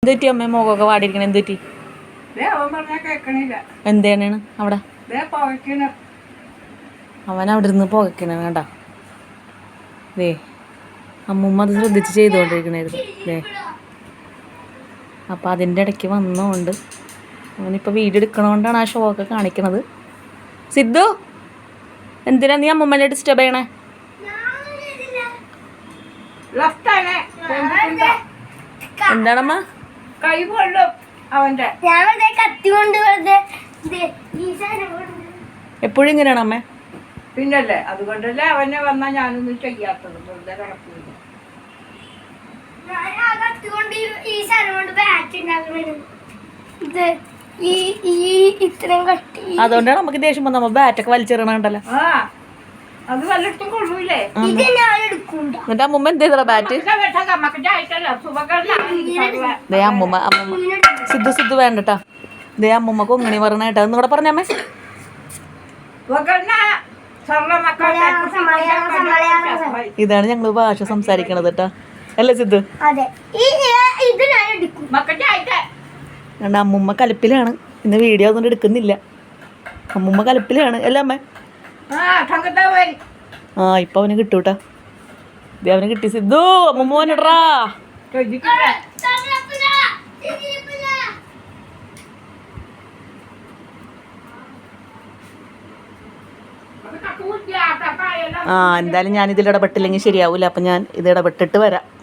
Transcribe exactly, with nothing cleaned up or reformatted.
എന്തുപറ്റി അമ്മ മുഖമൊക്കെ വാടിയിരിക്കണ? എന്തുപറ്റി? എന്താണ് അവിടെ? അവൻ അവിടെ ഇരുന്ന് പുകയ്ക്കണ കേട്ടാ. ദേ അമ്മൂമ്മ അത് ശ്രദ്ധിച്ച് ചെയ്തുകൊണ്ടിരിക്കണായിരുന്നു. ദേ അപ്പം അതിൻ്റെ ഇടയ്ക്ക് വന്നതുകൊണ്ട് അവനിപ്പോൾ വീഡിയോ എടുക്കണോണ്ടാണ് ആ ഷോ ഒക്കെ കാണിക്കണത്. സിദ്ധു, എന്തിനാ നീ അമ്മൂമ്മനെ ഡിസ്റ്റർബ് ചെയ്യണേ? എന്താണമ്മ? എപ്പോഴും ഇങ്ങനെയാണ് അമ്മ. പിന്നല്ലേ, അതുകൊണ്ടല്ലേ അവനെ വന്നാ ഞാനൊന്നും ചെയ്യാത്തത്. വെറുതെ കിടക്കില്ല. അതുകൊണ്ടാണ് നമുക്ക് ദേഷ്യം വന്ന ബാറ്റൊക്കെ വലിച്ചെറിയണണ്ടല്ലോ. ആ അത് വല്ലയിടത്തും കൊള്ളൂലേ. എന്നിട്ട് അമ്മൂമ്മ എന്ത് ചെയ്തോ ബാറ്റ്? ദേ അമ്മൂമ്മ അമ്മൂമ്മ സിദ്ധു സിദ്ധു വേണ്ടട്ടാ. ദേ അമ്മൂമ്മ കൊങ്ങണി പറഞ്ഞ കേട്ടാ. ഒന്നും കൂടെ പറഞ്ഞമ്മേ. ഇതാണ് ഞങ്ങള് ഭാഷ സംസാരിക്കണത് കേട്ടാ, അല്ലേ സിദ്ധു? അമ്മൂമ്മ കലിപ്പിലാണ്. ഇന്ന് വീഡിയോ ഒന്നും എടുക്കുന്നില്ല. അമ്മൂമ്മ കലിപ്പിലാണ് അല്ലേ അമ്മ? ആ ഇപ്പൊ അവന് കിട്ടൂട്ടാ. ഇത് അവന് കിട്ടി. സിദ്ധു അമ്മൂമ്മ വന്നിട്രാ. ആ എന്തായാലും ഞാൻ ഇതിൽ ഇടപെട്ടില്ലെങ്കിൽ ശരിയാവൂല. അപ്പം ഞാൻ ഇത് ഇടപെട്ടിട്ട് വരാം.